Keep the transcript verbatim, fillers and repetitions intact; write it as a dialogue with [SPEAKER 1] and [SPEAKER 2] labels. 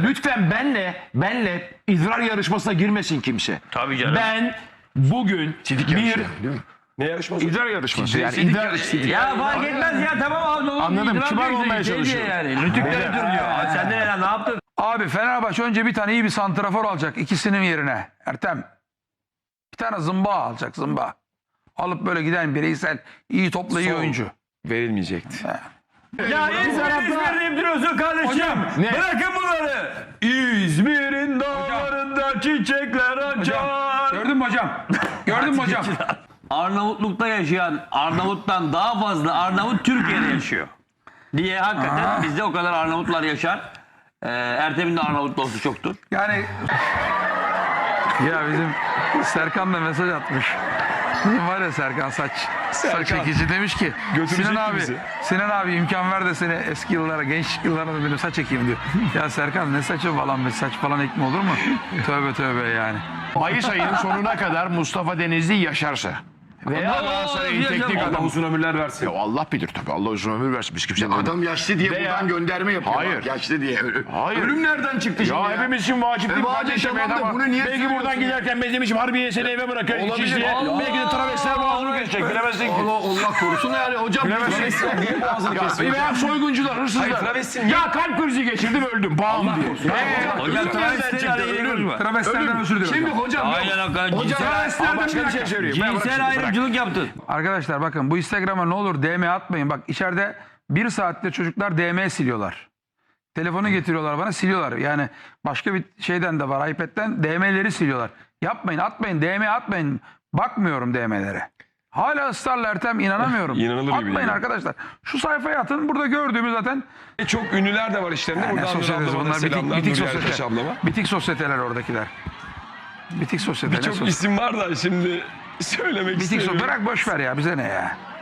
[SPEAKER 1] Lütfen benle benle idrar yarışmasına girmesin kimse.
[SPEAKER 2] Tabii canım.
[SPEAKER 1] Ben bugün
[SPEAKER 3] Sidik
[SPEAKER 1] bir
[SPEAKER 3] yarışı, değil mi?
[SPEAKER 4] Ne yarışması?
[SPEAKER 1] idrar yarışması yani
[SPEAKER 4] Sidik
[SPEAKER 1] idrar
[SPEAKER 4] yarışı, sidik.
[SPEAKER 2] Ya fark etmez ya tamam abi. oğlum,
[SPEAKER 1] Anladım,
[SPEAKER 2] idrar
[SPEAKER 1] kibar
[SPEAKER 2] diyor,
[SPEAKER 1] olmaya
[SPEAKER 2] şey diyor
[SPEAKER 1] çalışıyorum.
[SPEAKER 2] Yani. Rütükleri diyor. Aa, sen de ne, ne yaptın?
[SPEAKER 5] Abi Fenerbahçe önce bir tane iyi bir santrafor alacak ikisinin yerine. Ertem. Bir tane zımba alacak zımba. Alıp böyle giden bireysel iyi topla iyi
[SPEAKER 4] Sol.
[SPEAKER 5] oyuncu.
[SPEAKER 4] Verilmeyecekti.
[SPEAKER 2] Ya İzmir İzmir deyip duruyorsun kardeşim.
[SPEAKER 1] Ne?
[SPEAKER 2] Bırakın bunları.
[SPEAKER 1] İzmir'in dağlarında çiçekler açar.
[SPEAKER 5] Gördün mü hocam? Gördün mü hocam?
[SPEAKER 2] Arnavutluk'ta yaşayan Arnavut'tan daha fazla Arnavut Türkiye'de yaşıyor. Diye hakikaten bizde o kadar Arnavutlar yaşar. Ee, Ertem'in de Arnavut dostu çoktur.
[SPEAKER 5] Yani ya bizim Serkan da mesaj atmış. Bizim var ya Serkan saç saç çekici demiş ki
[SPEAKER 4] Götürecek
[SPEAKER 5] Sinan abi
[SPEAKER 4] bizi.
[SPEAKER 5] Sinan abi imkan ver de seni eski yıllara gençlik yıllarına benim saç ekeyim diyor. Ya Serkan ne saçı falan be saç falan ekme olur mu? Tövbe tövbe yani.
[SPEAKER 1] Mayıs ayının sonuna kadar Mustafa Denizli yaşarsa veya Galatasaray'ın
[SPEAKER 2] yaşam-
[SPEAKER 1] teknik
[SPEAKER 2] Allah
[SPEAKER 1] adamı.
[SPEAKER 4] Uzun ömürler versin.
[SPEAKER 1] Ya Allah bilir tabii. Allah uzun ömür versin. Biz kimse
[SPEAKER 3] Adam yaşlı diye
[SPEAKER 1] Veya-
[SPEAKER 3] buradan gönderme yapıyor.
[SPEAKER 1] Hayır.
[SPEAKER 3] Bak, yaşlı diye.
[SPEAKER 1] Hayır.
[SPEAKER 3] Ölüm nereden çıktı şimdi
[SPEAKER 1] Ya
[SPEAKER 3] ya?
[SPEAKER 1] hepimiz için vacip değil
[SPEAKER 3] E,
[SPEAKER 1] mi
[SPEAKER 3] vacip
[SPEAKER 1] kardeşim?
[SPEAKER 3] tamam da
[SPEAKER 1] Ama
[SPEAKER 3] bunu niye
[SPEAKER 1] belki buradan
[SPEAKER 3] söylüyorsun
[SPEAKER 1] giderken benim için Harbiye seni eve bırakıyor.
[SPEAKER 3] Olabilir.
[SPEAKER 1] İkizli'ye.
[SPEAKER 3] Allah
[SPEAKER 1] Belki de travestiler boğazını kesecek. Bilemezsin ki.
[SPEAKER 3] Allah, Allah korusun yani hocam.
[SPEAKER 1] Bilemezsin.
[SPEAKER 4] Niye boğazını
[SPEAKER 1] Ya,
[SPEAKER 4] kesiyor?
[SPEAKER 1] veya soyguncular, hırsızlar.
[SPEAKER 4] Hayır, travesti niye-
[SPEAKER 1] Ya kalp krizi geçirdim öldüm. Bam diye. Ee,
[SPEAKER 2] Hocam
[SPEAKER 1] ölüm
[SPEAKER 2] travestiyle
[SPEAKER 1] nereden
[SPEAKER 2] ilgili
[SPEAKER 1] çıktı? Ölüm.
[SPEAKER 2] konuşma.
[SPEAKER 5] Travestilerden özür diliyorum.
[SPEAKER 3] Şimdi hocam
[SPEAKER 2] Aynen
[SPEAKER 3] yok.
[SPEAKER 2] hakikaten.
[SPEAKER 3] Hocam
[SPEAKER 2] Cinsel,
[SPEAKER 1] Ama başka bir şey söyleyeyim. Ben bırak
[SPEAKER 2] cinsel
[SPEAKER 1] şimdi, bırak.
[SPEAKER 2] ayrımcılık yaptın.
[SPEAKER 5] Arkadaşlar bakın bu Instagram'a ne olur D M atmayın. Bak içeride bir saatte çocuklar D M siliyorlar. Telefonu getiriyorlar bana siliyorlar. Yani başka bir şeyden de var iPad'den D M'leri siliyorlar. Yapmayın atmayın D M atmayın. Bakmıyorum D M'lere. Hala ısrarla Ertem inanamıyorum.
[SPEAKER 4] İnanılır gibi
[SPEAKER 5] Atmayın
[SPEAKER 4] değil.
[SPEAKER 5] arkadaşlar. Şu sayfaya atın. Burada gördüğümüz zaten
[SPEAKER 4] E, Çok ünlüler de var işlerinde.
[SPEAKER 5] ne
[SPEAKER 4] Buradan Nur
[SPEAKER 5] sosyetesi
[SPEAKER 4] ablama da
[SPEAKER 5] bunlar bitik,
[SPEAKER 4] selamlar.
[SPEAKER 5] bitik
[SPEAKER 4] Nur Yertaş
[SPEAKER 5] sosyete.
[SPEAKER 4] ablama.
[SPEAKER 5] Bitik sosyeteler oradakiler. Bitik sosyete. ne
[SPEAKER 4] Birçok
[SPEAKER 5] sosyete?
[SPEAKER 4] isim var da şimdi söylemek
[SPEAKER 5] Bitik
[SPEAKER 4] istemiyorum.
[SPEAKER 5] sosyete. Bırak boş ver ya bize ne ya.